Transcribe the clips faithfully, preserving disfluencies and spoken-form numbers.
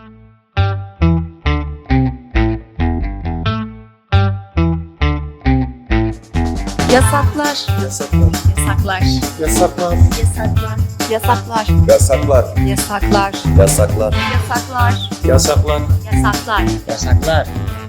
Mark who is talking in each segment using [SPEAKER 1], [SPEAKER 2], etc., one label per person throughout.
[SPEAKER 1] Yasaklar.
[SPEAKER 2] Yasaklar.
[SPEAKER 1] Yasaklar.
[SPEAKER 2] Yasaklar.
[SPEAKER 1] Yasaklar. Yasaklar.
[SPEAKER 2] Yasaklar.
[SPEAKER 1] Yasaklar.
[SPEAKER 2] Yasaklar.
[SPEAKER 1] Yasaklar.
[SPEAKER 2] Yasaklar.
[SPEAKER 1] Yasaklar.
[SPEAKER 3] Yasaklar.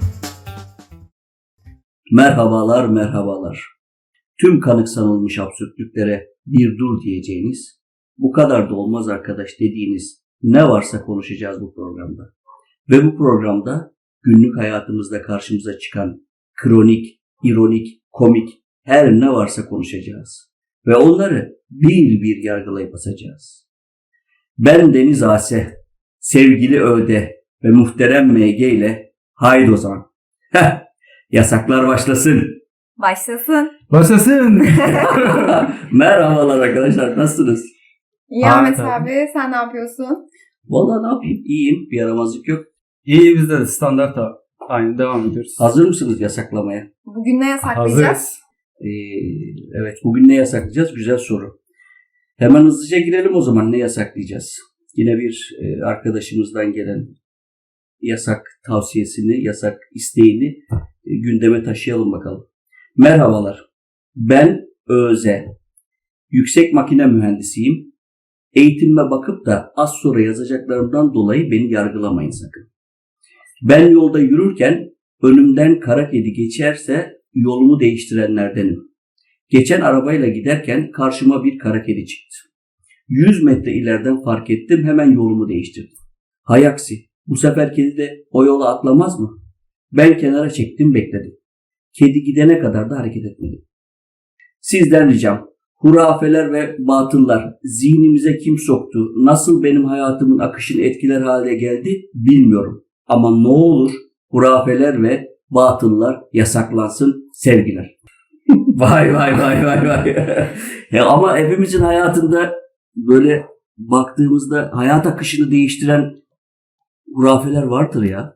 [SPEAKER 4] Merhabalar, merhabalar. Tüm kanıksanılmış absürtlüklere bir dur diyeceğiniz, bu kadar da olmaz arkadaş dediğiniz ne varsa konuşacağız bu programda. Ve bu programda günlük hayatımızda karşımıza çıkan kronik, ironik, komik her ne varsa konuşacağız. Ve onları bir bir yargılayıp asacağız. Ben Deniz Ase, sevgili Öde ve muhterem M G ile haydi o zaman. Heh, yasaklar başlasın.
[SPEAKER 1] Başlasın.
[SPEAKER 3] Başlasın.
[SPEAKER 4] Merhabalar arkadaşlar, nasılsınız?
[SPEAKER 1] İyi
[SPEAKER 3] Aa,
[SPEAKER 1] Ahmet
[SPEAKER 3] tabii.
[SPEAKER 1] abi, sen ne yapıyorsun?
[SPEAKER 4] Vallahi ne yapayım, iyiyim, bir yaramazlık yok.
[SPEAKER 3] İyi, bizde de standart da aynı devam ediyoruz.
[SPEAKER 4] Hazır mısınız yasaklamaya?
[SPEAKER 1] Bugün ne yasaklayacağız?
[SPEAKER 3] Hazırız.
[SPEAKER 4] Ee, evet, bugün ne yasaklayacağız? Güzel soru. Hemen hızlıca girelim o zaman, ne yasaklayacağız? Yine bir e, arkadaşımızdan gelen yasak tavsiyesini, yasak isteğini e, gündeme taşıyalım bakalım. Merhabalar, ben Öze, yüksek makine mühendisiyim. Eğitimime bakıp da az sonra yazacaklarımdan dolayı beni yargılamayın sakın. Ben yolda yürürken önümden kara kedi geçerse yolumu değiştirenlerdenim. Geçen arabayla giderken karşıma bir kara kedi çıktı. yüz metre ileriden fark ettim, hemen yolumu değiştirdim. Hay aksi, bu sefer kedi de o yola atlamaz mı? Ben kenara çektim, bekledim. Kedi gidene kadar da hareket etmedim. Sizden ricam, hurafeler ve batıllar zihnimize kim soktu, nasıl benim hayatımın akışını etkiler hale geldi bilmiyorum. Ama ne olur hurafeler ve batıllar yasaklansın, sevgiler. Vay vay vay vay vay. Ya ama hepimizin hayatında böyle baktığımızda hayat akışını değiştiren hurafeler vardır ya.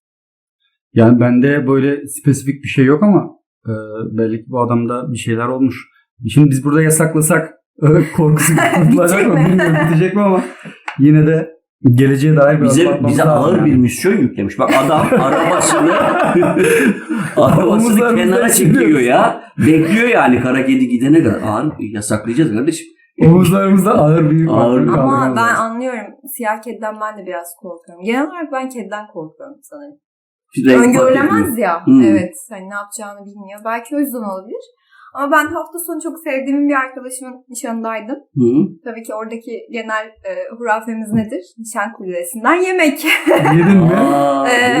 [SPEAKER 3] Yani bende böyle spesifik bir şey yok ama e, belli ki bu adamda bir şeyler olmuş. Şimdi biz burada yasaklasak e, korkusu kurtulacak mı bilmiyorum, bitecek mi ama yine de geleceğe dair bir
[SPEAKER 4] Bize,
[SPEAKER 3] adım atmamız
[SPEAKER 4] bize
[SPEAKER 3] lazım
[SPEAKER 4] ağır
[SPEAKER 3] yani.
[SPEAKER 4] bir misyon yüklemiş. Bak adam arabasını arabasını
[SPEAKER 3] Omuzlarımızdan
[SPEAKER 4] kenara çekiyor
[SPEAKER 3] sürüyoruz.
[SPEAKER 4] ya. Bekliyor yani kara kedi gidene kadar. Ağır yasaklayacağız kardeşim.
[SPEAKER 3] Omuzlarımızda ağır bir
[SPEAKER 4] Ağır bir-
[SPEAKER 1] Ama
[SPEAKER 3] kaldırmamız
[SPEAKER 1] ben
[SPEAKER 3] lazım.
[SPEAKER 1] anlıyorum. Siyah kediden ben de biraz korkuyorum. Genel olarak ben kediden korkuyorum sanırım.
[SPEAKER 4] Renk fark
[SPEAKER 1] Öngörülemez
[SPEAKER 4] etmiyor.
[SPEAKER 1] ya.
[SPEAKER 4] Hmm.
[SPEAKER 1] Evet. Hani ne yapacağını bilmiyor. Belki o yüzden olabilir. Ama ben hafta sonu çok sevdiğim bir arkadaşımın nişanındaydım.
[SPEAKER 4] Hı.
[SPEAKER 1] Tabii ki oradaki genel e, hurafemiz nedir? Nişan kulesinden yemek.
[SPEAKER 3] Yedin mi?
[SPEAKER 4] Aa,
[SPEAKER 1] Ee,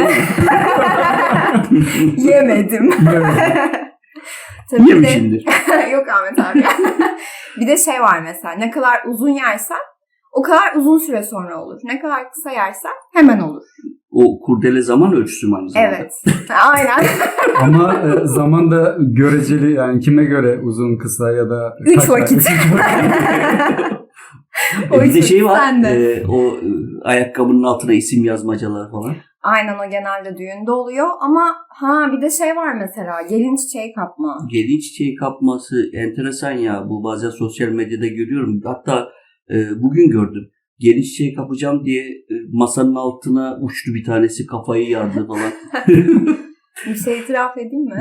[SPEAKER 4] değil mi?
[SPEAKER 1] Yemedim.
[SPEAKER 3] Evet.
[SPEAKER 1] Tabii bir de,
[SPEAKER 4] Yemişimdir.
[SPEAKER 1] yok Ahmet abi. Bir de şey var mesela, ne kadar uzun yersen o kadar uzun süre sonra olur. Ne kadar kısa yersen hemen olur.
[SPEAKER 4] O kurdele zaman ölçüsü mü aynı zamanda?
[SPEAKER 1] Evet. Aynen.
[SPEAKER 3] Ama e, zaman da göreceli, yani kime göre uzun, kısa ya da
[SPEAKER 1] Üç
[SPEAKER 3] kaç
[SPEAKER 1] vakit.
[SPEAKER 3] Üç vakit.
[SPEAKER 1] O
[SPEAKER 4] E bir de
[SPEAKER 1] yüzden
[SPEAKER 4] şey var.
[SPEAKER 1] sen de.
[SPEAKER 4] e, o e, ayakkabının altına isim yazmacalar falan.
[SPEAKER 1] Aynen, o genelde düğünde oluyor ama ha bir de şey var mesela, gelin çiçeği kapma.
[SPEAKER 4] Gelin çiçeği kapması enteresan ya. Bu bazen sosyal medyada görüyorum. Hatta e, bugün gördüm. Gelin çiçeği kapacağım diye e, masanın altına uçtu bir tanesi, kafayı yardı falan.
[SPEAKER 1] Bir şey itiraf edeyim mi?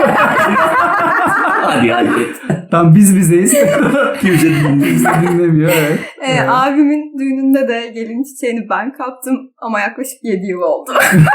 [SPEAKER 4] hadi hadi.
[SPEAKER 3] Tam biz bizeyiz.
[SPEAKER 4] Kimse dinlemiyor.
[SPEAKER 3] Kimse dinlemiyor. Evet.
[SPEAKER 1] Ee, abimin düğününde de gelin çiçeğini ben kaptım ama yaklaşık yedi yıl oldu.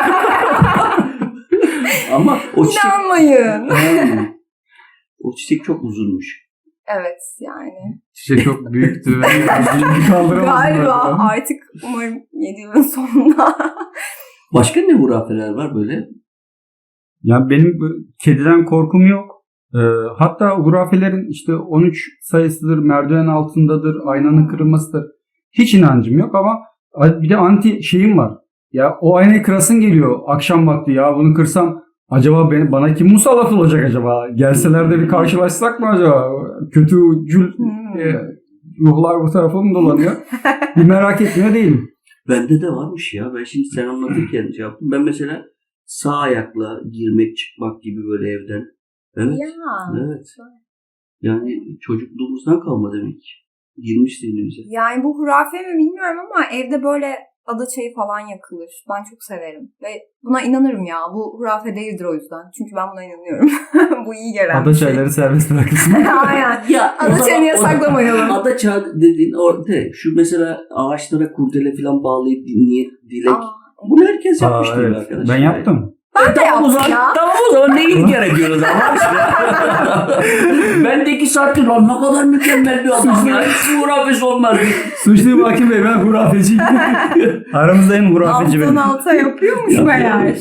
[SPEAKER 4] Ama o çiçek...
[SPEAKER 1] İnanmayın.
[SPEAKER 4] Hmm. O çiçek çok uzunmuş.
[SPEAKER 1] Evet yani.
[SPEAKER 3] Çiçek çok büyüktü ve bir kaldıramadım.
[SPEAKER 1] Galiba artık umarım yedi yılın sonunda.
[SPEAKER 4] Başka ne hurafeler var böyle?
[SPEAKER 3] Ya benim bu kediden korkum yok. Ee, hatta hurafelerin işte on üç sayısıdır, merdiven altındadır, aynanın kırılmasıdır. Hiç inancım yok ama bir de anti şeyim var. Ya o aynayı kırasın geliyor akşam vakti, ya bunu kırsam acaba beni, bana kim musallat olacak acaba? Gelseler de bir karşılaşsak mı acaba? Kötü cül
[SPEAKER 1] Hmm.
[SPEAKER 3] e, ruhlar bu tarafa mı dolanıyor? Bir merak etmiyor değilim.
[SPEAKER 4] Bende de varmış ya. Ben şimdi sen anlatırken şey yaptım. Ben mesela sağ ayakla girmek çıkmak gibi böyle evden. Evet.
[SPEAKER 1] Ya.
[SPEAKER 4] Evet. Yani çocukluğumuzdan kalma demek. Girmiş zihnimize.
[SPEAKER 1] Yani bu hurafe mi bilmiyorum ama evde böyle ada çayı falan yakılır. Ben çok severim. Ve buna inanırım ya. Bu hurafe değildir o yüzden. Çünkü ben buna inanıyorum. Bu iyi gelen
[SPEAKER 3] Ada
[SPEAKER 1] bir şey.
[SPEAKER 3] çayları serbest bırakılsın.
[SPEAKER 1] Aynen.
[SPEAKER 4] Ya, o
[SPEAKER 1] Ada
[SPEAKER 4] zaman-
[SPEAKER 1] çayını
[SPEAKER 4] o-
[SPEAKER 1] yasaklamayalım.
[SPEAKER 4] Ada çağı dediğin orada şu mesela ağaçlara kurdele falan bağlayıp niyet dilek.
[SPEAKER 1] Aa,
[SPEAKER 4] Bunu herkes
[SPEAKER 3] Aa,
[SPEAKER 4] yapmış değil mi
[SPEAKER 3] evet.
[SPEAKER 4] arkadaşlar?
[SPEAKER 3] Ben yaptım.
[SPEAKER 1] Ben de
[SPEAKER 4] Tamam o
[SPEAKER 1] yaptım
[SPEAKER 4] zaman,
[SPEAKER 1] ya.
[SPEAKER 4] tamam o zaman neyi inkar ediyoruz ama işte. Ben de iki saattir lan ne kadar mükemmel bir adam ya. Hiç hurafesi olmaz.
[SPEAKER 3] Suçluyum hakim bey, ben hurafeciyim. Aramızda en hurafeci
[SPEAKER 1] Alttan
[SPEAKER 3] benim.
[SPEAKER 1] alta yapıyormuş meğer.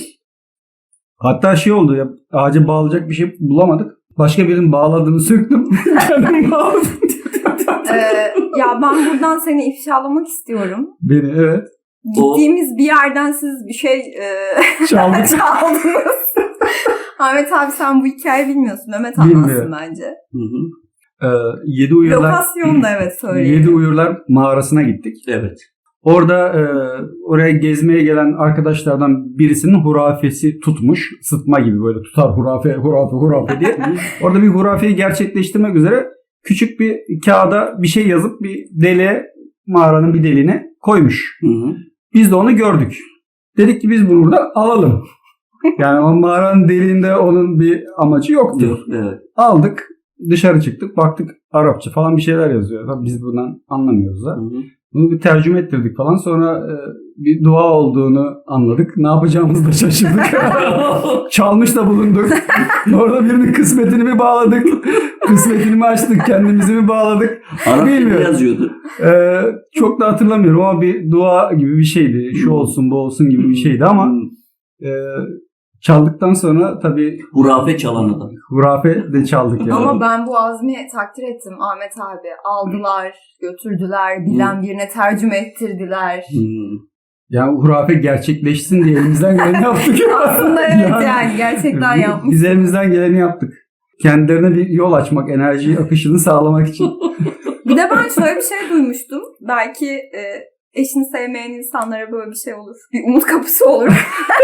[SPEAKER 3] Hatta şey oldu ya, ağaca bağlayacak bir şey bulamadık. Başka birinin bağladığını söktüm. Kendim bağladım.
[SPEAKER 1] Ee, ya ben buradan seni ifşalamak istiyorum.
[SPEAKER 3] Beni evet.
[SPEAKER 1] Gittiğimiz bir yerden siz bir şey e,
[SPEAKER 3] Çaldık.
[SPEAKER 1] çaldınız. Ahmet abi sen bu hikayeyi bilmiyorsun. Mehmet anlatsın
[SPEAKER 3] Bilmiyorum.
[SPEAKER 1] bence.
[SPEAKER 4] Hı hı.
[SPEAKER 3] Ee, Yedi Uyurlar,
[SPEAKER 1] Lokasyon da evet söyleyeyim.
[SPEAKER 3] Yedi Uyurlar mağarasına gittik.
[SPEAKER 4] Evet.
[SPEAKER 3] Orada e, oraya gezmeye gelen arkadaşlardan birisinin hurafesi tutmuş. Sıtma gibi böyle tutar hurafe hurafe hurafe diye. Orada bir hurafeyi gerçekleştirmek üzere küçük bir kağıda bir şey yazıp bir deliğe, mağaranın bir deliğine koymuş.
[SPEAKER 4] Hı hı.
[SPEAKER 3] Biz de onu gördük. Dedik ki biz bunu burada alalım. Yani o mağaranın deliğinde onun bir amacı yoktu.
[SPEAKER 4] Yok, evet.
[SPEAKER 3] Aldık, dışarı çıktık, baktık Arapça falan bir şeyler yazıyor. Tabii biz bundan anlamıyoruz da.
[SPEAKER 4] Hı hı.
[SPEAKER 3] Bunu bir tercüme ettirdik falan. Sonra e, bir dua olduğunu anladık. Ne yapacağımızı da şaşırdık. Çalmış da bulunduk. Orada birinin kısmetini mi bağladık? Kısmetini mi açtık? Kendimizi mi bağladık?
[SPEAKER 4] Arapça
[SPEAKER 3] Bilmiyorum.
[SPEAKER 4] yazıyordu.
[SPEAKER 3] E, çok da hatırlamıyorum ama bir dua gibi bir şeydi. Şu olsun bu olsun gibi bir şeydi ama e, çaldıktan sonra tabii
[SPEAKER 4] Hurafe çalan adam.
[SPEAKER 3] hurafe de çaldık yani.
[SPEAKER 1] Ama ben bu azmi takdir ettim Ahmet abi. Aldılar, götürdüler, bilen birine tercüme ettirdiler.
[SPEAKER 4] Hı.
[SPEAKER 3] Yani hurafe gerçekleşsin diye elimizden geleni yaptık.
[SPEAKER 1] Aslında evet yani,
[SPEAKER 3] Yani
[SPEAKER 1] gerçekten
[SPEAKER 3] biz-
[SPEAKER 1] yapmış.
[SPEAKER 3] Biz elimizden geleni yaptık. Kendilerine bir yol açmak, enerji akışını sağlamak için.
[SPEAKER 1] Bir de ben şöyle bir şey duymuştum. Belki e, eşini sevmeyen insanlara böyle bir şey olur. Bir umut kapısı olur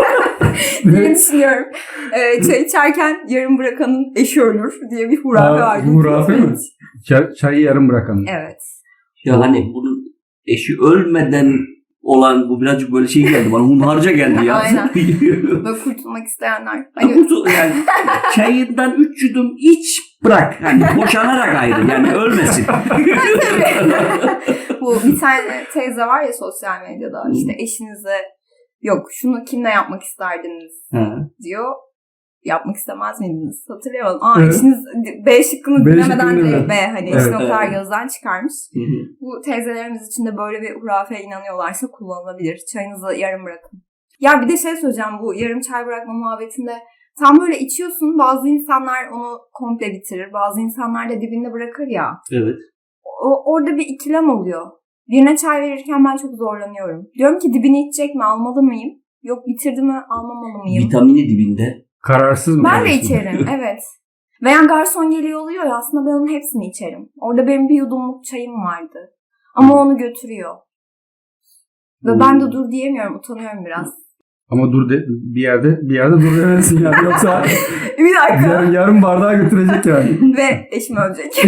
[SPEAKER 1] diye düşünüyorum. E, çay içerken yarım bırakanın eşi ölür diye bir hurafe
[SPEAKER 3] Aa,
[SPEAKER 1] vardı.
[SPEAKER 3] hurafe mi? Çay, çayı yarım bırakan.
[SPEAKER 1] Evet.
[SPEAKER 4] Ya hani bunun eşi ölmeden olan bu birazcık böyle şey geldi bana. Hunharca geldi ya.
[SPEAKER 1] Aynen. Böyle kurtulmak isteyenler. Hani
[SPEAKER 4] Kurtul- yani çayından üç yudum iç bırak. Yani boşanarak ayrı. Yani ölmesin.
[SPEAKER 1] bu bir tane teyze var ya sosyal medyada işte eşinize yok şunu kimle yapmak isterdiniz
[SPEAKER 4] Ha.
[SPEAKER 1] diyor. Yapmak istemez miydiniz? Hatırlayamadım. Aa
[SPEAKER 3] Evet.
[SPEAKER 1] eşiniz B şıkkını
[SPEAKER 3] B
[SPEAKER 1] dinlemeden
[SPEAKER 3] şıkkını
[SPEAKER 1] direkt
[SPEAKER 3] dinle.
[SPEAKER 1] B hani
[SPEAKER 3] Evet.
[SPEAKER 1] eşin o kadar
[SPEAKER 4] Evet.
[SPEAKER 1] gözden çıkarmış.
[SPEAKER 4] Hı hı.
[SPEAKER 1] Bu teyzelerimiz için de böyle bir hurafeye inanıyorlarsa kullanılabilir. Çayınızı yarım bırakın. Ya bir de şey söyleyeceğim bu yarım çay bırakma muhabbetinde. Tam böyle içiyorsun bazı insanlar onu komple bitirir. Bazı insanlar da dibinde bırakır ya.
[SPEAKER 4] Evet.
[SPEAKER 1] O, orada bir ikilem oluyor. Birine çay verirken ben çok zorlanıyorum. Diyorum ki dibini içecek mi almalı mıyım? Yok bitirdi mi almamalı mıyım?
[SPEAKER 4] Vitamini dibinde.
[SPEAKER 3] Kararsız mı?
[SPEAKER 1] Ben de
[SPEAKER 3] kalıyorsun?
[SPEAKER 1] içerim evet. Veya garson geliyor oluyor ya aslında ben onun hepsini içerim. Orada benim bir yudumluk çayım vardı. Ama onu götürüyor. Ve
[SPEAKER 4] Hmm.
[SPEAKER 1] ben de dur diyemiyorum utanıyorum biraz.
[SPEAKER 3] Ama dur de, bir yerde bir yerde dur demezsin yani. Yoksa
[SPEAKER 1] Bir dakika.
[SPEAKER 3] yarım, yarım bardağı götürecek yani.
[SPEAKER 1] Ve eşim ölecek.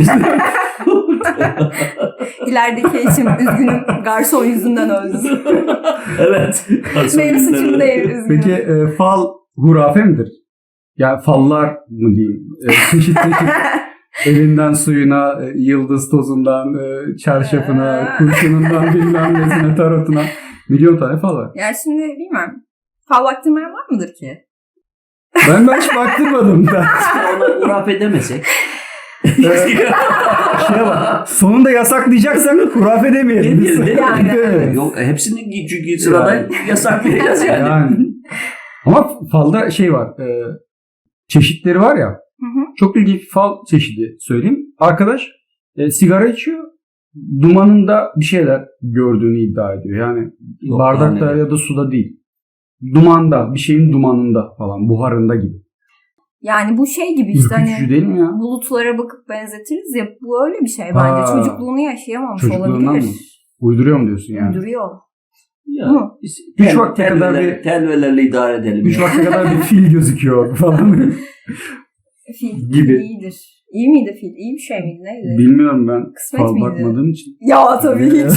[SPEAKER 1] İlerideki eşim üzgünüm garson yüzünden öldüm.
[SPEAKER 4] Evet.
[SPEAKER 1] Benim suçum değil üzgünüm.
[SPEAKER 3] Peki e, fal hurafe midir? Yani fallar mı diyeyim? E, çeşit çeşit elinden suyuna, e, yıldız tozundan, e, çarşafına, kurşunundan bilmem nesine, tarotuna. Milyon tane fal var.
[SPEAKER 1] Yani şimdi bilmiyorum. Fal baktırmayan var mıdır ki?
[SPEAKER 3] Ben ben hiç baktırmadım da.
[SPEAKER 4] Ona hurafe demesek.
[SPEAKER 3] Ee, Şeye bak. Sonunda yasaklayacaksak hurafe demeyelim.
[SPEAKER 4] Demeyelim, değil mi?
[SPEAKER 1] Yani.
[SPEAKER 3] Evet.
[SPEAKER 4] Yok hepsini çünkü sırada yasaklayacağız yani.
[SPEAKER 3] Yani. Ama falda şey var. E, çeşitleri var ya.
[SPEAKER 1] Hı hı.
[SPEAKER 3] Çok ilginç bir fal çeşidi söyleyeyim. Arkadaş e, sigara içiyor. Dumanında bir şeyler gördüğünü iddia ediyor. Yani
[SPEAKER 4] Yok,
[SPEAKER 3] bardakta
[SPEAKER 4] yani.
[SPEAKER 3] ya da suda değil. Dumanda, bir şeyin dumanında falan, buharında gibi.
[SPEAKER 1] Yani bu şey gibi işte
[SPEAKER 3] Ürkütücü
[SPEAKER 1] hani
[SPEAKER 3] değil mi ya?
[SPEAKER 1] bulutlara bakıp benzetiriz ya bu öyle bir şey bence.
[SPEAKER 3] Ha.
[SPEAKER 1] Çocukluğunu yaşayamamış
[SPEAKER 3] Çocukluğundan
[SPEAKER 1] olabilir.
[SPEAKER 3] mı? Uyduruyor mu diyorsun yani?
[SPEAKER 1] Duruyor.
[SPEAKER 4] Ya,
[SPEAKER 1] Hı.
[SPEAKER 4] biz
[SPEAKER 3] Üç
[SPEAKER 4] tel-
[SPEAKER 3] vakte kadar
[SPEAKER 4] telveler-
[SPEAKER 3] bir-
[SPEAKER 4] telvelerle idare edelim.
[SPEAKER 3] Üç
[SPEAKER 4] ya.
[SPEAKER 3] vakte kadar bir fil gözüküyor falan.
[SPEAKER 1] Fil
[SPEAKER 3] Gibi.
[SPEAKER 1] iyidir. İyi miydi fil? İyi bir şey miydi? Neydi?
[SPEAKER 3] Bilmiyorum ben
[SPEAKER 1] Kısmet
[SPEAKER 3] fal
[SPEAKER 1] miydi?
[SPEAKER 3] bakmadığım için.
[SPEAKER 1] Ya tabii hiç.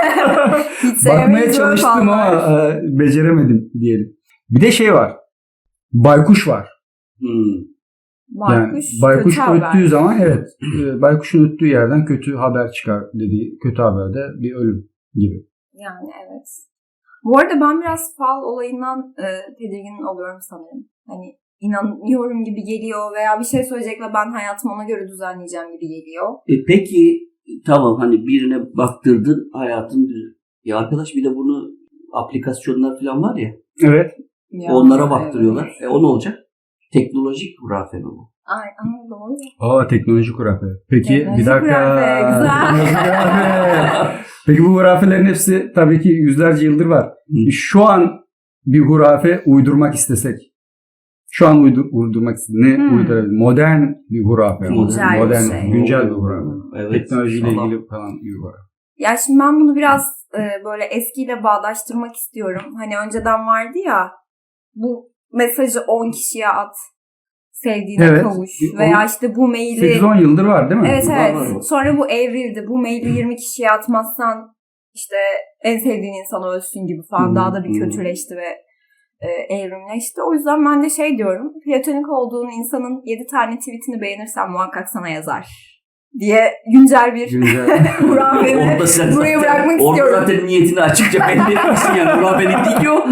[SPEAKER 1] Hiç
[SPEAKER 3] Bakmaya
[SPEAKER 1] sevmeyiz böyle
[SPEAKER 3] çalıştım ama
[SPEAKER 1] fallar.
[SPEAKER 3] e, beceremedim diyelim. Bir de şey var. Baykuş var.
[SPEAKER 4] Hmm.
[SPEAKER 3] Yani
[SPEAKER 1] Baykuş,
[SPEAKER 3] baykuş
[SPEAKER 1] kötü haber.
[SPEAKER 3] öttüğü zaman evet e, baykuşun öttüğü yerden kötü haber çıkar dediği kötü haberde bir ölüm gibi.
[SPEAKER 1] Yani evet. Bu arada ben biraz fal olayından e, tedirgin oluyorum sanırım. Hani inanıyorum gibi geliyor veya bir şey söyleyecek ve ben hayatımı ona göre düzenleyeceğim gibi geliyor.
[SPEAKER 4] E peki tamam hani birine baktırdın hayatın düz- ya arkadaş bir de bunu aplikasyonlar falan var ya
[SPEAKER 3] Evet.
[SPEAKER 1] Ya,
[SPEAKER 4] onlara baktırıyorlar.
[SPEAKER 1] evet.
[SPEAKER 4] E o ne olacak? Teknolojik hurafe mi bu?
[SPEAKER 1] Ay, ay doğru.
[SPEAKER 3] Aa teknoloji hurafe. Peki
[SPEAKER 1] Teknoloji
[SPEAKER 3] bir dakika.
[SPEAKER 1] hurafe, güzel.
[SPEAKER 3] Teknoloji hurafe. Peki bu hurafelerin hepsi tabii ki yüzlerce yıldır var.
[SPEAKER 4] Hı.
[SPEAKER 3] Şu an bir hurafe uydurmak istesek. Şu an uydur, uydurmak istesek. Ne
[SPEAKER 1] Hmm.
[SPEAKER 3] uydurabilir? Modern bir hurafe.
[SPEAKER 1] Güncel bir
[SPEAKER 3] Modern,
[SPEAKER 1] şey.
[SPEAKER 3] güncel bir hurafe.
[SPEAKER 4] Evet.
[SPEAKER 3] Teknolojiyle
[SPEAKER 4] Tamam.
[SPEAKER 3] ilgili falan bir hurafe.
[SPEAKER 1] Ya şimdi ben bunu biraz e, böyle eskiyle bağdaştırmak istiyorum. Hani önceden vardı ya bu mesajı on kişiye at. Sevdiğine
[SPEAKER 3] Evet.
[SPEAKER 1] kavuş.
[SPEAKER 3] Bir
[SPEAKER 1] Veya
[SPEAKER 3] on-
[SPEAKER 1] işte bu maili...
[SPEAKER 3] sekiz on yıldır var değil mi?
[SPEAKER 1] Evet
[SPEAKER 4] Var,
[SPEAKER 1] evet.
[SPEAKER 4] var, var.
[SPEAKER 1] Sonra bu evrildi. Bu maili yirmi kişiye atmazsan işte en sevdiğin insan ölsün gibi falan
[SPEAKER 4] Hmm,
[SPEAKER 1] daha da bir
[SPEAKER 4] hmm.
[SPEAKER 1] kötüleşti ve e, evrimleşti. O yüzden ben de şey diyorum. Platonik olduğun insanın yedi tane tweetini beğenirsen muhakkak sana yazar diye güncel bir
[SPEAKER 3] Güncel.
[SPEAKER 1] hurafemi
[SPEAKER 4] Orada sen
[SPEAKER 1] buraya
[SPEAKER 4] zaten-
[SPEAKER 1] bırakmak
[SPEAKER 4] orada
[SPEAKER 1] istiyorum.
[SPEAKER 4] zaten niyetini açıkça belli etmişsin yani. Hurafelik değil ki o.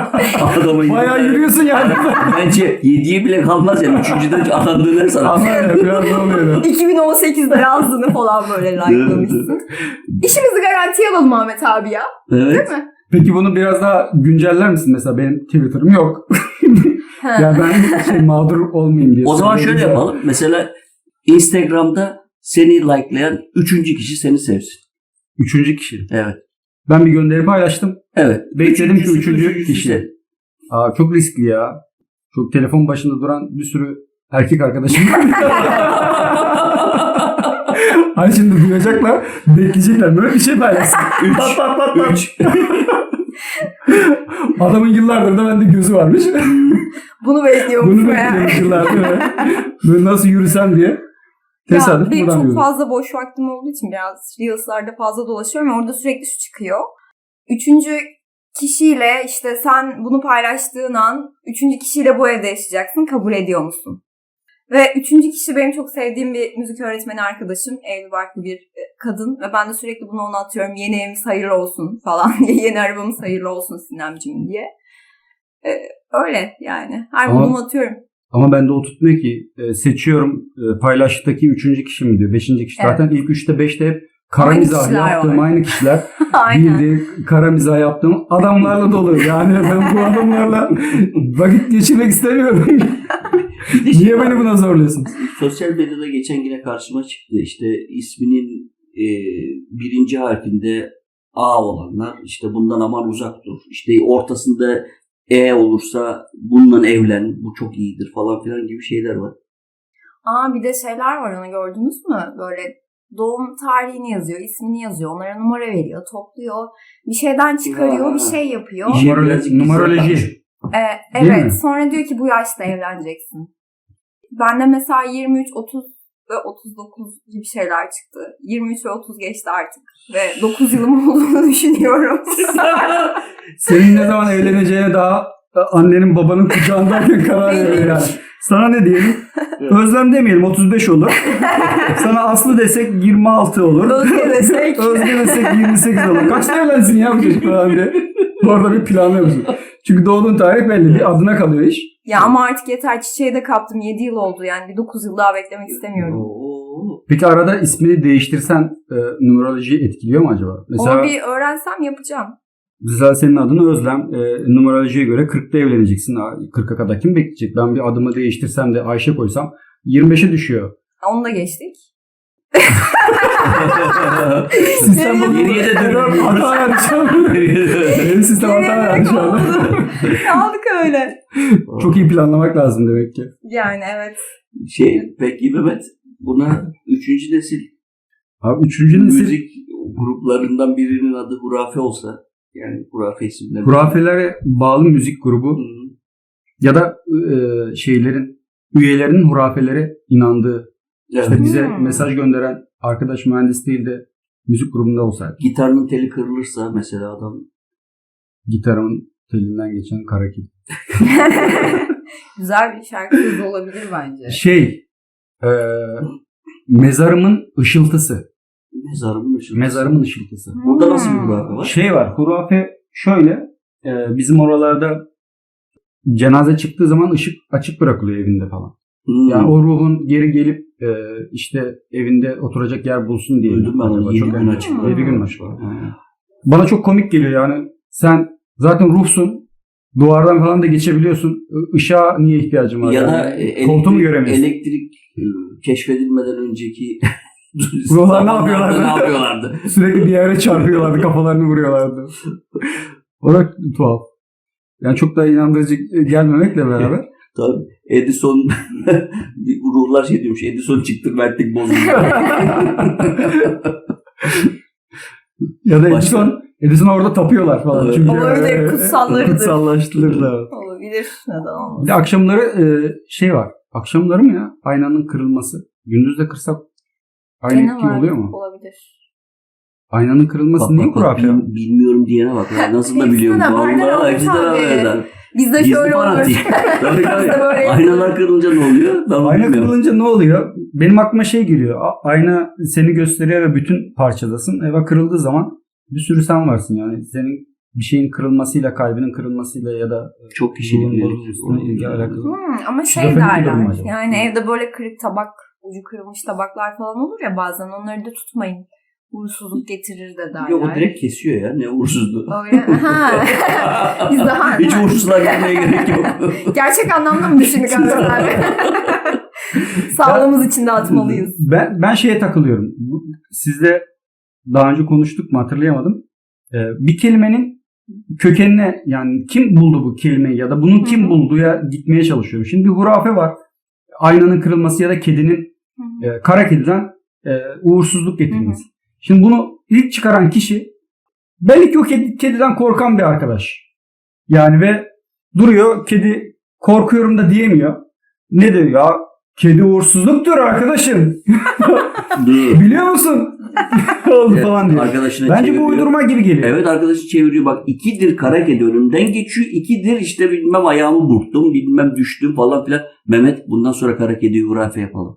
[SPEAKER 4] Adamın
[SPEAKER 3] Bayağı yürüyorsun yani.
[SPEAKER 4] Bence yediye bile kalmaz yani. Üçüncüden atandığını sana.
[SPEAKER 3] Anladım. Biraz ne oluyor?
[SPEAKER 1] iki bin on sekizde yazdığını falan böyle likelamışsın. İşimizi garantiye alalım Ahmet abi ya.
[SPEAKER 4] Evet.
[SPEAKER 1] Değil mi?
[SPEAKER 3] Peki bunu biraz daha günceller misin? Mesela benim Twitter'ım yok.
[SPEAKER 1] Ha.
[SPEAKER 3] Ya ben şey mağdur olmayayım diye.
[SPEAKER 4] O zaman şöyle
[SPEAKER 3] söylüyorum.
[SPEAKER 4] yapalım. Mesela Instagram'da seni likelayan üçüncü kişi seni sevsin.
[SPEAKER 3] Üçüncü kişi.
[SPEAKER 4] Evet.
[SPEAKER 3] Ben bir gönderi paylaştım.
[SPEAKER 4] Evet.
[SPEAKER 3] Bekledim ki üçüncü
[SPEAKER 4] üçüncüsü
[SPEAKER 3] kişi.
[SPEAKER 4] de.
[SPEAKER 3] Aa, çok riskli ya. Çok telefon başında duran bir sürü erkek arkadaşım var. Hani şimdi duyacaklar, bekleyecekler. Böyle bir şey paylaşsın.
[SPEAKER 4] Üç.
[SPEAKER 3] Pat pat pat pat.
[SPEAKER 4] Üç.
[SPEAKER 3] Adamın yıllardır da bende gözü varmış.
[SPEAKER 1] Bunu bekliyormuş
[SPEAKER 3] Bunu
[SPEAKER 1] meğer.
[SPEAKER 3] bekliyormuş yıllardır. Böyle nasıl yürüsem diye.
[SPEAKER 1] Ya
[SPEAKER 3] Tesadüf
[SPEAKER 1] benim
[SPEAKER 3] buradan
[SPEAKER 1] çok
[SPEAKER 3] yürüdüm.
[SPEAKER 1] fazla boş vaktim olduğu için biraz Reels'larda fazla dolaşıyorum. Orada sürekli şu çıkıyor. Üçüncü kişiyle işte sen bunu paylaştığın an üçüncü kişiyle bu evde yaşayacaksın. Kabul ediyor musun? Ve üçüncü kişi benim çok sevdiğim bir müzik öğretmeni arkadaşım. Evli barklı bir e, kadın. Ve ben de sürekli bunu ona atıyorum. Yeni evimiz hayırlı olsun falan diye. Yeni arabamız hayırlı olsun Sinemciğim diye. Ee, öyle yani. Her
[SPEAKER 3] Ama-
[SPEAKER 1] bulduğumu atıyorum.
[SPEAKER 3] Ama bende o tutmuyor ki. E, seçiyorum e, paylaştaki üçüncü kişi mi diyor. Beşinci kişi.
[SPEAKER 1] Evet.
[SPEAKER 3] Zaten ilk üçte beşte hep kara
[SPEAKER 1] Aynı
[SPEAKER 3] mizah
[SPEAKER 1] kişiler
[SPEAKER 3] yaptığım
[SPEAKER 1] var.
[SPEAKER 3] aynı kişiler.
[SPEAKER 1] Aynen.
[SPEAKER 3] Bildiği kara mizah yaptığım adamlarla dolu. Yani ben bu adamlarla vakit geçirmek istemiyorum.
[SPEAKER 4] Bir de şey
[SPEAKER 3] Niye
[SPEAKER 4] var.
[SPEAKER 3] beni buna zorluyorsun?
[SPEAKER 4] Sosyal medyada geçen yine karşıma çıktı. İşte isminin e, birinci harfinde A olanlar işte bundan aman uzak dur. İşte ortasında E olursa bununla evlen. Bu çok iyidir falan filan gibi şeyler var.
[SPEAKER 1] Aa bir de şeyler var onu gördünüz mü? Böyle doğum tarihini yazıyor, ismini yazıyor, onlara numara veriyor, topluyor, bir şeyden çıkarıyor,
[SPEAKER 4] Ha.
[SPEAKER 1] bir şey yapıyor.
[SPEAKER 4] İşe
[SPEAKER 3] Numaroloji-
[SPEAKER 4] birazcık
[SPEAKER 3] numaroloji.
[SPEAKER 4] gizli
[SPEAKER 1] Ee,
[SPEAKER 3] Değil mi?
[SPEAKER 1] evet, sonra diyor ki bu yaşta evleneceksin. Bende mesela yirmi üç, otuz ve otuz dokuz gibi şeyler çıktı. yirmi üç ve otuz geçti artık ve dokuz yılım olduğunu düşünüyorum.
[SPEAKER 3] Senin ne zaman evleneceğine daha annenin babanın kucağındayken karar veriyor yani. Sana ne diyelim? Özlem demeyelim otuz beş olur. Sana Aslı desek yirmi altı olur.
[SPEAKER 1] Özge desek.
[SPEAKER 3] Özge desek yirmi sekiz olur. Kaçta evlensin ya bu çocuk falan diye. Bu arada bir planlıyorsun. Çünkü doğduğun tarih belli. Bir adına kalıyor iş.
[SPEAKER 1] Ya ama artık yeter, çiçeği de kaptım, yedi yıl oldu yani bir dokuz yıl daha beklemek istemiyorum.
[SPEAKER 4] Oo.
[SPEAKER 3] Peki arada ismini değiştirsen e, numerolojiyi etkiliyor mu acaba? Mesela
[SPEAKER 1] Onu bir öğrensem yapacağım.
[SPEAKER 3] mesela senin adını Özlem. E, numerolojiye göre kırkta evleneceksin. kırka kadar kim bekleyecek? Ben bir adımı değiştirsem de Ayşe koysam yirmi beşe düşüyor.
[SPEAKER 1] Onu da geçtik.
[SPEAKER 3] Sistem bu.
[SPEAKER 4] Geriye de dönüyoruz.
[SPEAKER 3] Hata verdi şu an. Benim sistem hata verdi şu an.
[SPEAKER 1] Kaldık öyle.
[SPEAKER 3] Çok iyi planlamak lazım demek ki.
[SPEAKER 1] Yani evet.
[SPEAKER 4] Şey peki Mehmet buna üçüncü nesil
[SPEAKER 3] Abi üçüncü nesil
[SPEAKER 4] müzik gruplarından birinin adı Hurafe olsa yani Hurafe isimleri.
[SPEAKER 3] hurafelere bağlı müzik grubu
[SPEAKER 4] Hı.
[SPEAKER 3] ya da e, şeylerin üyelerinin hurafelere inandığı İşte bize
[SPEAKER 1] Hmm.
[SPEAKER 3] mesaj gönderen arkadaş mühendis değil de müzik grubunda olsaydı.
[SPEAKER 4] Gitarının teli kırılırsa mesela adam
[SPEAKER 3] Gitarımın telinden geçen kara kedi.
[SPEAKER 1] Güzel bir şarkı.
[SPEAKER 5] Kız olabilir bence.
[SPEAKER 3] Şey, e, mezarımın ışıltısı.
[SPEAKER 4] mezarımın ışıltısı.
[SPEAKER 3] Mezarımın ışıltısı.
[SPEAKER 4] Burada nasıl bir hurafe var?
[SPEAKER 3] Şey var, hurafe şöyle, e, bizim oralarda cenaze çıktığı zaman ışık açık bırakılıyor evinde falan.
[SPEAKER 4] Hmm.
[SPEAKER 3] Yani o ruhun geri gelip e, işte evinde oturacak yer bulsun diye.
[SPEAKER 4] Duydum ben onu.
[SPEAKER 3] Acaba
[SPEAKER 4] Yedi
[SPEAKER 3] çok
[SPEAKER 4] gün
[SPEAKER 3] önemli.
[SPEAKER 4] açık var.
[SPEAKER 3] Yedi gün açık var.
[SPEAKER 4] Ha.
[SPEAKER 3] Bana çok komik geliyor yani. Sen zaten ruhsun. Duvardan falan da geçebiliyorsun. I- Işığa niye ihtiyacın var?
[SPEAKER 4] Ya
[SPEAKER 3] yani?
[SPEAKER 4] da e,
[SPEAKER 3] koltuğu mu
[SPEAKER 4] elektrik,
[SPEAKER 3] göremiyorsun?
[SPEAKER 4] elektrik e, keşfedilmeden önceki
[SPEAKER 3] Ruhlar ne
[SPEAKER 4] zamanlarda
[SPEAKER 3] yapıyorlardı?
[SPEAKER 4] ne yapıyorlardı?
[SPEAKER 3] Sürekli bir yere çarpıyorlardı. Kafalarını vuruyorlardı. O da tuhaf. Yani çok da inandırıcı gelmemekle beraber.
[SPEAKER 4] Tabii. Edison ruhlar şey diyormuş. Edison çıktı verdik bozuldu.
[SPEAKER 3] Ya da
[SPEAKER 4] Başka?
[SPEAKER 3] Edison, Edison orada tapıyorlar falan.
[SPEAKER 4] Evet.
[SPEAKER 3] Çünkü
[SPEAKER 1] Olabilir,
[SPEAKER 3] e,
[SPEAKER 1] kutsallarıdır.
[SPEAKER 3] Kutsallaştırırlar.
[SPEAKER 1] Olabilir. Neden
[SPEAKER 3] Bir
[SPEAKER 1] olmasın?
[SPEAKER 3] de akşamları e, şey var. Akşamları mı ya? Aynanın kırılması. Gündüz de kırsak aynı
[SPEAKER 1] Gene
[SPEAKER 3] etki
[SPEAKER 1] var.
[SPEAKER 3] oluyor mu?
[SPEAKER 1] Olabilir.
[SPEAKER 3] Aynanın kırılması
[SPEAKER 4] Bak,
[SPEAKER 3] niye
[SPEAKER 4] bak, bak,
[SPEAKER 3] hurafe ya?
[SPEAKER 4] bil- bilmiyorum diyene bak. Ya nasıl da
[SPEAKER 1] Hepsine
[SPEAKER 4] biliyorum.
[SPEAKER 1] haberler
[SPEAKER 4] Vallahi
[SPEAKER 1] olmuş
[SPEAKER 4] hepsine
[SPEAKER 1] abi.
[SPEAKER 4] haberler.
[SPEAKER 1] Bizde
[SPEAKER 4] Gizli
[SPEAKER 1] şöyle olur.
[SPEAKER 4] fanatik. Tabii tabii.
[SPEAKER 1] Bizde böyle
[SPEAKER 4] Aynalar kırılınca ne oluyor? Ben onu
[SPEAKER 3] Ayna
[SPEAKER 4] bilmiyorum.
[SPEAKER 3] kırılınca ne oluyor? Benim aklıma şey geliyor. A- Ayna seni gösteriyor ve bütün parçadasın. Eva kırıldığı zaman bir sürü sen varsın yani. Senin bir şeyin kırılmasıyla, kalbinin kırılmasıyla ya da
[SPEAKER 4] Çok kişilik
[SPEAKER 3] ruhun
[SPEAKER 4] ileri.
[SPEAKER 3] bozulmasıyla ilgili alakalı.
[SPEAKER 1] Hmm, ama şey
[SPEAKER 3] Şizofrenik bir durum
[SPEAKER 1] derler.
[SPEAKER 3] acaba?
[SPEAKER 1] Yani evde böyle kırık tabak, ucu kırılmış tabaklar falan olur ya bazen. Onları da tutmayın. Uğursuzluk getirir de derler.
[SPEAKER 4] Yok o direkt kesiyor ya. Ne uğursuzluğu.
[SPEAKER 1] Öyle. Ha. Biz daha
[SPEAKER 4] Hiç uğursuzluğa gitmeye gerek yok.
[SPEAKER 1] gerçek anlamda mı düşündük abi? Sağlığımız için de atmalıyız.
[SPEAKER 3] Ben, ben şeye takılıyorum. Bu- Sizle daha önce konuştuk mu hatırlayamadım. Ee, bir kelimenin kökenine yani kim buldu bu kelimeyi ya da bunun kim
[SPEAKER 1] Hı hı.
[SPEAKER 3] bulduğuya gitmeye çalışıyorum. Şimdi bir hurafe var. Aynanın kırılması ya da kedinin
[SPEAKER 1] Hı hı.
[SPEAKER 3] e, kara kediden e, uğursuzluk getirmesi. Şimdi bunu ilk çıkaran kişi belli ki o kedi, kediden korkan bir arkadaş. Yani ve duruyor kedi korkuyorum da diyemiyor. Ne diyor ya? Kedi uğursuzluktur arkadaşım.
[SPEAKER 4] Dur.
[SPEAKER 3] Biliyor musun? Oldu
[SPEAKER 4] Evet,
[SPEAKER 3] falan diyor.
[SPEAKER 4] arkadaşına
[SPEAKER 3] Bence
[SPEAKER 4] çeviriyor.
[SPEAKER 3] bu uydurma gibi geliyor.
[SPEAKER 4] Evet arkadaşı çeviriyor. Bak ikidir kara kedi önümden geçiyor. İkidir işte bilmem ayağımı burktum. Bilmem düştüm falan filan. Mehmet bundan sonra kara kediyi hurafe yapalım.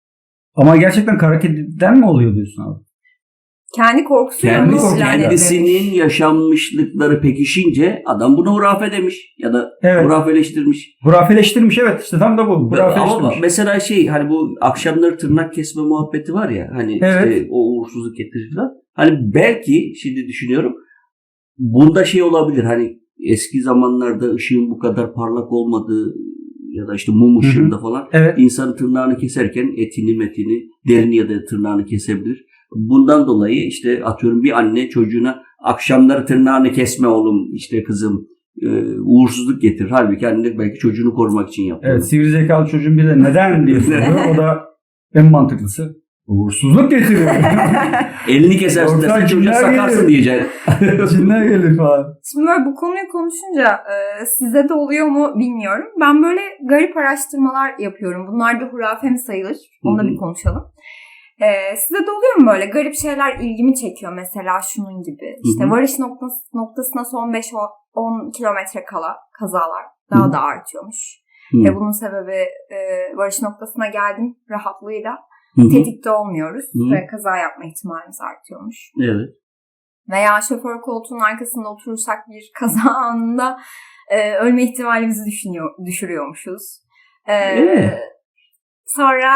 [SPEAKER 3] Ama gerçekten kara kediden mi oluyor diyorsun abi?
[SPEAKER 1] Kendi korkusuyla
[SPEAKER 4] Kendisi,
[SPEAKER 1] onu ilan
[SPEAKER 4] kendisinin
[SPEAKER 1] etmemiş.
[SPEAKER 4] yaşanmışlıkları pekişince adam bunu hurafe demiş. Ya da
[SPEAKER 3] Evet.
[SPEAKER 4] hurafeleştirmiş.
[SPEAKER 3] Hurafeleştirmiş evet işte tam da bu.
[SPEAKER 4] Ama
[SPEAKER 3] Hurafeleştirmiş.
[SPEAKER 4] mesela şey hani bu akşamları tırnak kesme muhabbeti var ya hani
[SPEAKER 3] Evet.
[SPEAKER 4] işte o uğursuzluk getirir falan. Hani belki şimdi düşünüyorum bunda şey olabilir hani eski zamanlarda ışığın bu kadar parlak olmadığı ya da işte mum ışığında
[SPEAKER 3] Hı hı.
[SPEAKER 4] falan
[SPEAKER 3] Evet.
[SPEAKER 4] insanın tırnağını keserken etini metini derini ya da tırnağını kesebilir. Bundan dolayı işte atıyorum bir anne çocuğuna akşamları tırnağını kesme oğlum işte kızım e, uğursuzluk getirir. Halbuki anne belki çocuğunu korumak için yapıyor.
[SPEAKER 3] Evet sivri zekalı çocuğun bir de neden diye soruyor. O da en mantıklısı. Uğursuzluk getiriyor.
[SPEAKER 4] Elini kesersin
[SPEAKER 3] Ortak
[SPEAKER 4] dersen çocuğa
[SPEAKER 3] cinler
[SPEAKER 4] sakarsın
[SPEAKER 3] gelir.
[SPEAKER 4] diyeceksin.
[SPEAKER 3] Cinler gelir falan.
[SPEAKER 1] Şimdi böyle bu konuyu konuşunca e, size de oluyor mu bilmiyorum. Ben böyle garip araştırmalar yapıyorum. Bunlar da hurafe mi sayılır? Onu da
[SPEAKER 4] Hı hı.
[SPEAKER 1] bir konuşalım. E, size de oluyor mu böyle garip şeyler ilgimi çekiyor mesela şunun gibi. İşte
[SPEAKER 4] Hı hı.
[SPEAKER 1] varış noktası, noktasına son beş on kilometre kala kazalar daha
[SPEAKER 4] Hı hı.
[SPEAKER 1] da artıyormuş.
[SPEAKER 4] Hı.
[SPEAKER 1] Ve bunun sebebi e, varış noktasına geldim rahatlığıyla
[SPEAKER 4] Hı hı.
[SPEAKER 1] tetikte olmuyoruz
[SPEAKER 4] Hı.
[SPEAKER 1] ve kaza yapma ihtimalimiz artıyormuş.
[SPEAKER 4] Evet.
[SPEAKER 1] Veya şoför koltuğunun arkasında oturursak bir kaza anında e, ölme ihtimalimizi düşünüyor, düşürüyormuşuz. E,
[SPEAKER 4] Evet.
[SPEAKER 1] Sonra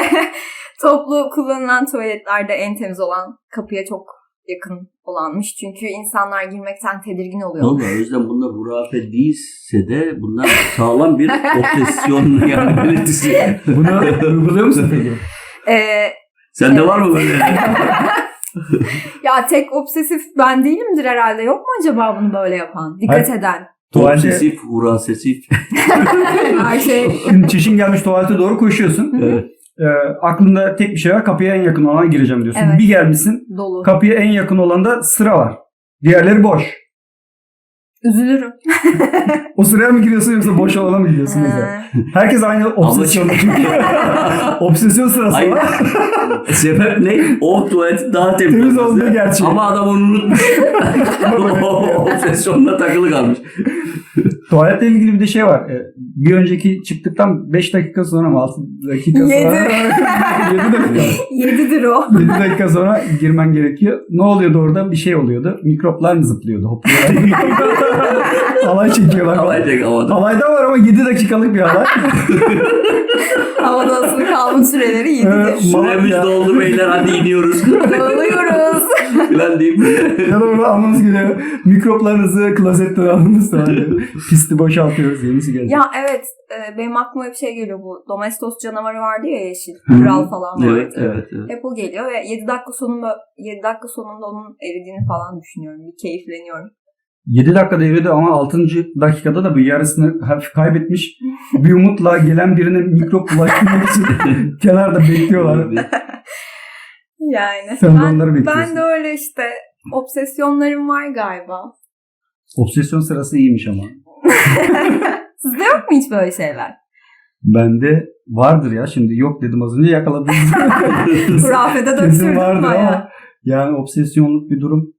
[SPEAKER 1] toplu kullanılan tuvaletlerde en temiz olan kapıya çok yakın olanmış. Çünkü insanlar girmekten tedirgin oluyor.
[SPEAKER 4] Vallahi o yüzden bunlar hurafe değilse de bunlar sağlam bir obsesyon yani belirtisi.
[SPEAKER 3] Bunu uyguluyor musun peki?
[SPEAKER 1] E,
[SPEAKER 4] Sende var mı böyle?
[SPEAKER 1] ya tek obsesif ben değilimdir herhalde. Yok mu acaba bunu böyle yapan? Dikkat
[SPEAKER 3] Hayır.
[SPEAKER 1] eden.
[SPEAKER 3] Tuvalete,
[SPEAKER 4] Obsesif, hurasesif.
[SPEAKER 1] Her şey.
[SPEAKER 3] şimdi çişin gelmiş tuvalete doğru koşuyorsun.
[SPEAKER 4] Evet.
[SPEAKER 3] Ee, aklında tek bir şey var. Kapıya en yakın olana gireceğim diyorsun.
[SPEAKER 1] Evet.
[SPEAKER 3] Bir gelmişsin.
[SPEAKER 1] Dolu.
[SPEAKER 3] Kapıya en yakın olanda sıra var. Diğerleri boş.
[SPEAKER 1] Üzülürüm.
[SPEAKER 3] O sıraya mı giriyorsun yoksa boş olana mı gidiyorsun mesela?
[SPEAKER 1] Ha.
[SPEAKER 3] Herkes aynı obsesyonda çünkü. Obsesyon sırası
[SPEAKER 4] Hayır.
[SPEAKER 3] var.
[SPEAKER 4] Sebep ne? O tuvaletin daha temiz,
[SPEAKER 3] Temiz
[SPEAKER 4] olması.
[SPEAKER 3] olduğu gerçeği.
[SPEAKER 4] Ama adam onu unutmuş. O obsesyonla takılı kalmış.
[SPEAKER 3] Tuvaletle ilgili bir de şey var. Ee, Bir önceki çıktıktan beş dakika sonra mı altı dakika sonra?
[SPEAKER 1] Yedi.
[SPEAKER 3] yedi dakika.
[SPEAKER 1] Yedidir o.
[SPEAKER 3] yedi dakika sonra girmen gerekiyor. Ne oluyordu orada? Bir şey oluyordu. Mikroplar mı zıplıyordu? Hopluyorlar. Halay çekiyorlar.
[SPEAKER 4] Havaya tek havada.
[SPEAKER 3] Halayda var ama yedi dakikalık bir halay.
[SPEAKER 1] Havada asılı kalma süreleri
[SPEAKER 3] Evet.
[SPEAKER 1] yedidir.
[SPEAKER 4] Süremiz
[SPEAKER 3] Ya.
[SPEAKER 4] doldu beyler, hadi iniyoruz.
[SPEAKER 1] Dağılıyoruz.
[SPEAKER 4] Falan deyip.
[SPEAKER 3] Ya da böyle almanız geliyor. Mikroplarınızı klozetten aldınız sonra. Pisti boşaltıyoruz. Yenisi gelecek.
[SPEAKER 1] Ya evet, e, benim aklıma bir şey geliyor bu. Domestos canavarı vardı ya, yeşil.
[SPEAKER 3] Hı hı.
[SPEAKER 1] Kral falan vardı.
[SPEAKER 4] Evet, evet, evet.
[SPEAKER 1] Hep o geliyor ve yedi dakika sonunda yedi dakika sonunda onun eridiğini falan düşünüyorum. Bir keyifleniyorum.
[SPEAKER 3] yedi dakikada eridi ama altıncı dakikada da bir yarısını hafif kaybetmiş. Bir umutla gelen birine mikrop bulaştırmak için kenarda bekliyorlar.
[SPEAKER 1] Yani
[SPEAKER 3] Sen de
[SPEAKER 1] ben,
[SPEAKER 3] onları bekliyorsun.
[SPEAKER 1] ben de öyle işte obsesyonlarım var galiba.
[SPEAKER 3] Obsesyon sırası iyiymiş ama.
[SPEAKER 1] Sizde yok mu hiç böyle şeyler?
[SPEAKER 3] Bende vardır ya. Şimdi yok dedim az önce, yakaladım.
[SPEAKER 1] Hurafede
[SPEAKER 3] Kesin
[SPEAKER 1] döktürdüm
[SPEAKER 3] vardır
[SPEAKER 1] bayağı.
[SPEAKER 3] ama yani obsesyonluk bir durum.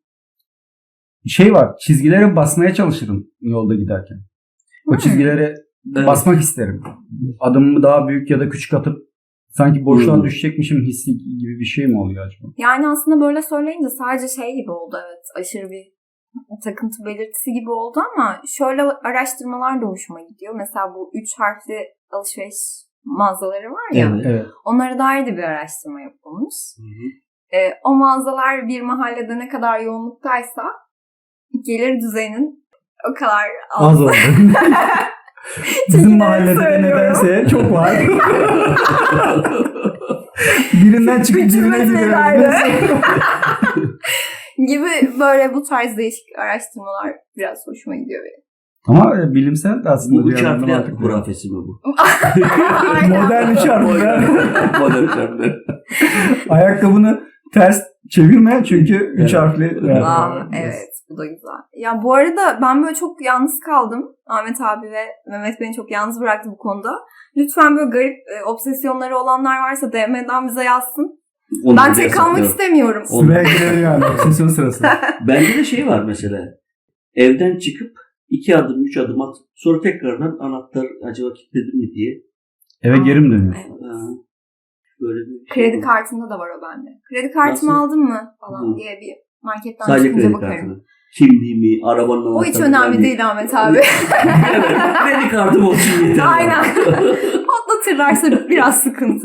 [SPEAKER 3] Şey var, çizgilere basmaya çalışırım yolda giderken. O
[SPEAKER 1] Hmm.
[SPEAKER 3] çizgilere
[SPEAKER 4] Evet.
[SPEAKER 3] basmak isterim. Adımımı daha büyük ya da küçük atıp sanki boşluğa
[SPEAKER 4] Hmm.
[SPEAKER 3] düşecekmişim hissi gibi bir şey mi oluyor acaba?
[SPEAKER 1] Yani aslında böyle söyleyince sadece şey gibi oldu, evet. Aşırı bir takıntı belirtisi gibi oldu ama şöyle araştırmalar da hoşuma gidiyor. Mesela bu üç harfli alışveriş mağazaları var ya.
[SPEAKER 4] Evet.
[SPEAKER 3] Evet.
[SPEAKER 1] Onlara dair de bir araştırma yapılmış.
[SPEAKER 4] Hı hı.
[SPEAKER 1] Ee, o mağazalar bir mahallede ne kadar yoğunluktaysa gelir düzeyinin o kadar az.
[SPEAKER 3] Az oldu. Bizim
[SPEAKER 1] Çekinerek
[SPEAKER 3] mahallede de
[SPEAKER 1] söylüyorum.
[SPEAKER 3] nedense çok var. Birinden çıkıp
[SPEAKER 1] Bütün
[SPEAKER 3] birine
[SPEAKER 1] meselelerde.
[SPEAKER 3] gidiyor.
[SPEAKER 1] gibi böyle bu tarz değişik araştırmalar biraz hoşuma gidiyor benim.
[SPEAKER 3] Ama e, bilimsel de aslında
[SPEAKER 4] Bu
[SPEAKER 3] bir
[SPEAKER 4] üç
[SPEAKER 3] yandan
[SPEAKER 4] harfli
[SPEAKER 3] mantıklı.
[SPEAKER 4] hurafesi mi bu?
[SPEAKER 1] Aynen.
[SPEAKER 3] Modern üç harfli.
[SPEAKER 4] Modern üç harfli.
[SPEAKER 3] Ayakkabını ters çevirme çünkü üç
[SPEAKER 4] Evet.
[SPEAKER 3] harfli.
[SPEAKER 1] Aa, evet, bu da güzel. Ya bu arada ben böyle çok yalnız kaldım. Ahmet abi ve Mehmet beni çok yalnız bıraktı bu konuda. Lütfen böyle garip e, obsesyonları olanlar varsa D M'den bize yazsın.
[SPEAKER 4] Onu
[SPEAKER 1] Ben
[SPEAKER 4] da
[SPEAKER 1] tek kalmak
[SPEAKER 4] yasaklıyorum.
[SPEAKER 1] istemiyorum.
[SPEAKER 4] Onu-
[SPEAKER 3] Sıraya girelim yani. Obsesyon sırası.
[SPEAKER 4] Bende de şey var mesela. Evden çıkıp iki adım, üç adım at. Sonra tekrardan anahtar acaba kilitledim mi diye.
[SPEAKER 3] Eve geri mi dönüyorsun?
[SPEAKER 1] Evet.
[SPEAKER 4] Ha, böyle bir
[SPEAKER 1] Kredi kartında da var o bende. Kredi kartımı
[SPEAKER 4] Nasıl?
[SPEAKER 1] aldın mı falan
[SPEAKER 4] Hı.
[SPEAKER 1] diye bir marketten
[SPEAKER 4] Sadece
[SPEAKER 1] çıkınca
[SPEAKER 4] kredi
[SPEAKER 1] bakarım.
[SPEAKER 4] kartını. Kimliğimi, arabanın anahtarını.
[SPEAKER 1] O hiç önemli değil Ahmet abi.
[SPEAKER 4] Evet, kredi kartım olsun yeter.
[SPEAKER 1] Aynen. Patlatırlarsa biraz sıkıntı.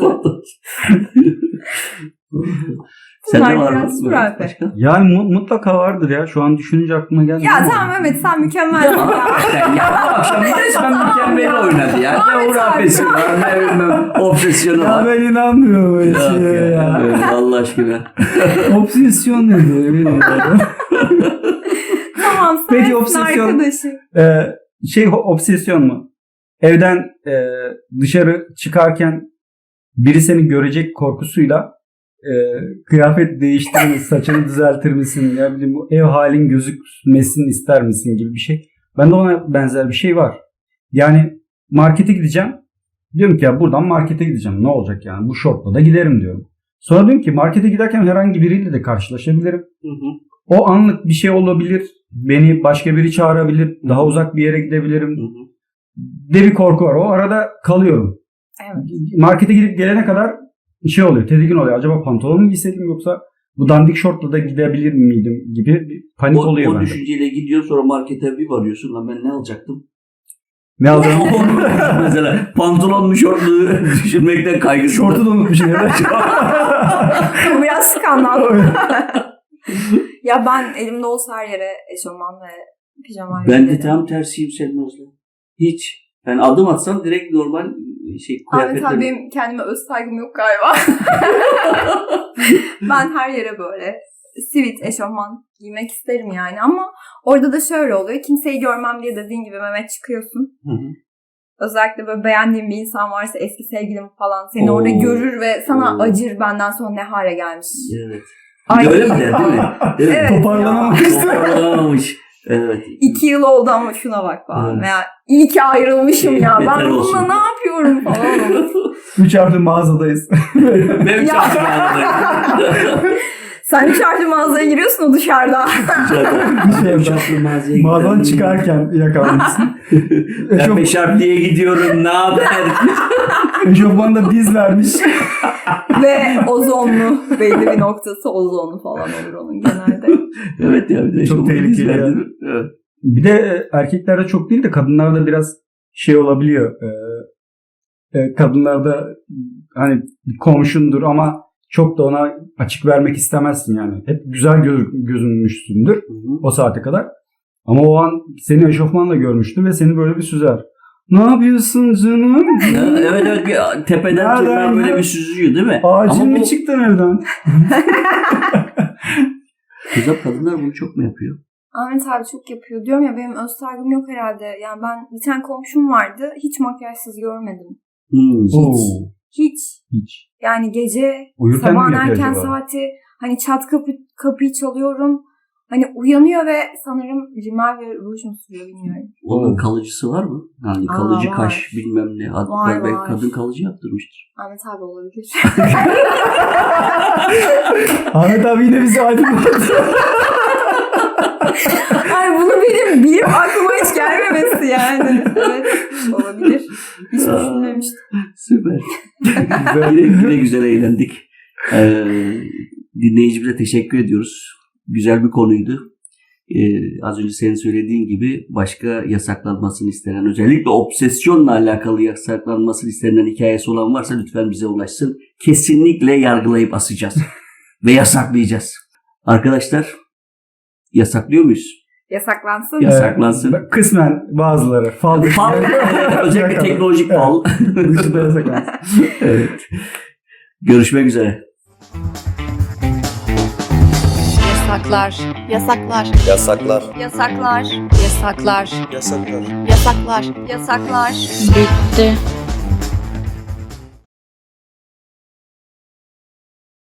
[SPEAKER 4] Sen de
[SPEAKER 1] Bunlar
[SPEAKER 4] var mı?
[SPEAKER 1] biraz
[SPEAKER 4] Böyle
[SPEAKER 1] hurafe.
[SPEAKER 4] başka?
[SPEAKER 3] Yani mu- mutlaka vardır ya. Şu an düşününce aklıma geldi.
[SPEAKER 1] Ya
[SPEAKER 3] ama-
[SPEAKER 1] tamam Mehmet, sen mükemmelsin ya.
[SPEAKER 4] Sen ya bu akşam resmen mükemmel oynadı ya. Ne
[SPEAKER 1] Ahmet
[SPEAKER 4] hurafesi
[SPEAKER 1] abi.
[SPEAKER 4] var, ne bilmem obsesyonu
[SPEAKER 3] Ya
[SPEAKER 4] var.
[SPEAKER 3] ben inanmıyorum böyle
[SPEAKER 4] Yok
[SPEAKER 3] şeye
[SPEAKER 4] ya,
[SPEAKER 3] ya.
[SPEAKER 4] evet, Allah aşkına.
[SPEAKER 3] Obsesyon nedir? Bilmiyorum.
[SPEAKER 1] Tamam, sen
[SPEAKER 3] Peki,
[SPEAKER 1] Peki,
[SPEAKER 3] obsesyon-
[SPEAKER 1] arkadaşı.
[SPEAKER 3] Ee, şey ho- obsesyon mu? Evden e, dışarı çıkarken biri seni görecek korkusuyla e, kıyafet değiştirir misin, saçını düzeltir misin, ya bileyim bu ev halin gözükmesin ister misin gibi bir şey. Bende ona benzer bir şey var. Yani markete gideceğim. Diyorum ki ya buradan markete gideceğim. Ne olacak yani? Bu şortla da giderim diyorum. Sonra diyorum ki markete giderken herhangi biriyle de karşılaşabilirim.
[SPEAKER 4] Hı hı,
[SPEAKER 3] O anlık bir şey olabilir. Beni başka biri çağırabilir. Daha uzak bir yere gidebilirim.
[SPEAKER 4] hı hı.
[SPEAKER 3] De bir korku var. O arada kalıyorum.
[SPEAKER 1] Evet.
[SPEAKER 3] Markete gidip gelene kadar şey oluyor. Tedirgin oluyor. Acaba pantolon mu giyseydim yoksa bu dandik şortla da gidebilir miydim gibi bir panik
[SPEAKER 4] O,
[SPEAKER 3] oluyor
[SPEAKER 4] o
[SPEAKER 3] bende.
[SPEAKER 4] düşünceyle gidiyorsun, sonra markete bir varıyorsun. Lan ben ne alacaktım?
[SPEAKER 3] Ne aldım?
[SPEAKER 4] Mesela pantolon mu şort mu düşünmekten kaygısı.
[SPEAKER 3] Şortu da unutmuşum ya.
[SPEAKER 1] Bu biraz skandal. Ya ben elimde olsa her yere eşofman ve pijama.
[SPEAKER 4] Ben de tam tersiyim senin Özlem. Hiç. Ben adım atsam direkt normal şey
[SPEAKER 1] Ahmet abi
[SPEAKER 4] kıyafetle.
[SPEAKER 1] benim kendime öz saygım yok galiba. Ben her yere böyle sivit, eşofman giymek isterim yani. Ama orada da şöyle oluyor. Kimseyi görmem diye dediğin gibi Mehmet çıkıyorsun.
[SPEAKER 4] Hı hı.
[SPEAKER 1] Özellikle böyle beğendiğin bir insan varsa, eski sevgilim falan seni
[SPEAKER 4] Oo.
[SPEAKER 1] orada görür ve sana
[SPEAKER 4] Oo.
[SPEAKER 1] acır, benden sonra ne hale gelmiş.
[SPEAKER 4] Evet.
[SPEAKER 1] Ay,
[SPEAKER 4] Öyle mi der değil mi? Değil mi?
[SPEAKER 1] Evet.
[SPEAKER 3] Toparlanamamıştı.
[SPEAKER 4] Toparlanamamış. Evet.
[SPEAKER 1] İki yıl oldu ama şuna bak falan.
[SPEAKER 4] Evet.
[SPEAKER 1] Veya iyi ki ayrılmışım ya.
[SPEAKER 4] Beter
[SPEAKER 1] Ben
[SPEAKER 4] olsun.
[SPEAKER 1] bununla ne yapıyorum falan.
[SPEAKER 3] Üç harfli mağazadayız.
[SPEAKER 4] Benim
[SPEAKER 1] Ya.
[SPEAKER 4] çarptım.
[SPEAKER 1] Sen dışarıda mağazaya giriyorsun, o dışarıda.
[SPEAKER 3] Dışarıda.
[SPEAKER 4] Çarptım mağazaya
[SPEAKER 3] Mağazadan
[SPEAKER 4] gidelim.
[SPEAKER 3] çıkarken yakalanmışsın.
[SPEAKER 4] Ben beş harf diye gidiyorum. Ne haber?
[SPEAKER 3] Eşofmanda diz vermiş.
[SPEAKER 1] Ve ozonlu. Belli bir noktası ozonlu falan olur onun genelde.
[SPEAKER 4] Evet ya. Bir de
[SPEAKER 3] Çok tehlikeli
[SPEAKER 4] verdi.
[SPEAKER 3] yani.
[SPEAKER 4] Evet.
[SPEAKER 3] Bir de e, erkeklerde çok değil de kadınlarda biraz şey olabiliyor. E, e, kadınlarda hani komşundur ama çok da ona açık vermek istemezsin yani. Hep güzel göz, gözünmüşsündür
[SPEAKER 4] Hı hı.
[SPEAKER 3] o saate kadar. Ama o an seni eşofmanla görmüştü ve seni böyle bir süzer. Ne yapıyorsun canım?
[SPEAKER 4] Ya, evet evet bir tepeden
[SPEAKER 3] Nereden
[SPEAKER 4] tırnağa böyle
[SPEAKER 3] ya?
[SPEAKER 4] bir süzüyor değil mi?
[SPEAKER 3] Acil
[SPEAKER 4] Ama
[SPEAKER 3] mi
[SPEAKER 4] bu
[SPEAKER 3] çıktın evden?
[SPEAKER 4] kızlar kadınlar bunu çok mu yapıyor?
[SPEAKER 1] Ahmet abi çok yapıyor. Diyorum ya, benim öz saygım yok herhalde. Yani ben bir tane komşum vardı. Hiç makyajsız görmedim.
[SPEAKER 4] Hmm.
[SPEAKER 3] Oo,
[SPEAKER 1] Hiç.
[SPEAKER 3] hiç.
[SPEAKER 1] Yani gece
[SPEAKER 3] Uyurken mi
[SPEAKER 1] sabahın
[SPEAKER 3] yapıyor
[SPEAKER 1] erken
[SPEAKER 3] acaba?
[SPEAKER 1] saati hani çat kapı, kapıyı çalıyorum. Hani uyanıyor ve sanırım rimel ve ruj mu sürüyor bilmiyorum.
[SPEAKER 4] Onun
[SPEAKER 3] Oo.
[SPEAKER 4] kalıcısı var mı? Yani
[SPEAKER 1] Aa,
[SPEAKER 4] kalıcı
[SPEAKER 1] var.
[SPEAKER 4] kaş bilmem ne. Hatta
[SPEAKER 1] Var,
[SPEAKER 4] belki
[SPEAKER 1] var.
[SPEAKER 4] kadın kalıcı yaptırmıştır.
[SPEAKER 1] Ahmet abi olabilir.
[SPEAKER 3] Ahmet abi yine bizi aydınlattı.
[SPEAKER 1] Ay, bunu benim bilip aklıma hiç gelmemesi yani. Evet, olabilir. Hiç düşünmemiştim.
[SPEAKER 4] Süper. yine, yine güzel eğlendik. Ee, dinleyicimize teşekkür ediyoruz. Güzel bir konuydu. Ee, az önce senin söylediğin gibi başka yasaklanmasını istenen, özellikle obsesyonla alakalı yasaklanmasını istenen hikayesi olan varsa lütfen bize ulaşsın. Kesinlikle yargılayıp asacağız. Ve yasaklayacağız. Arkadaşlar, yasaklıyor muyuz?
[SPEAKER 1] Yasaklansın.
[SPEAKER 4] Ya- Yasaklansın.
[SPEAKER 3] Ee, kısmen bazıları. Fal dışı.
[SPEAKER 4] Fal, özellikle teknolojik fal.
[SPEAKER 3] Dışında yasaklansın.
[SPEAKER 4] Evet. Görüşmek üzere.
[SPEAKER 5] Yasaklar, yasaklar,
[SPEAKER 2] Yasaklar.
[SPEAKER 5] yasaklar, yasaklar,
[SPEAKER 2] Yasaklar.
[SPEAKER 5] yasaklar, yasaklar. Bitti.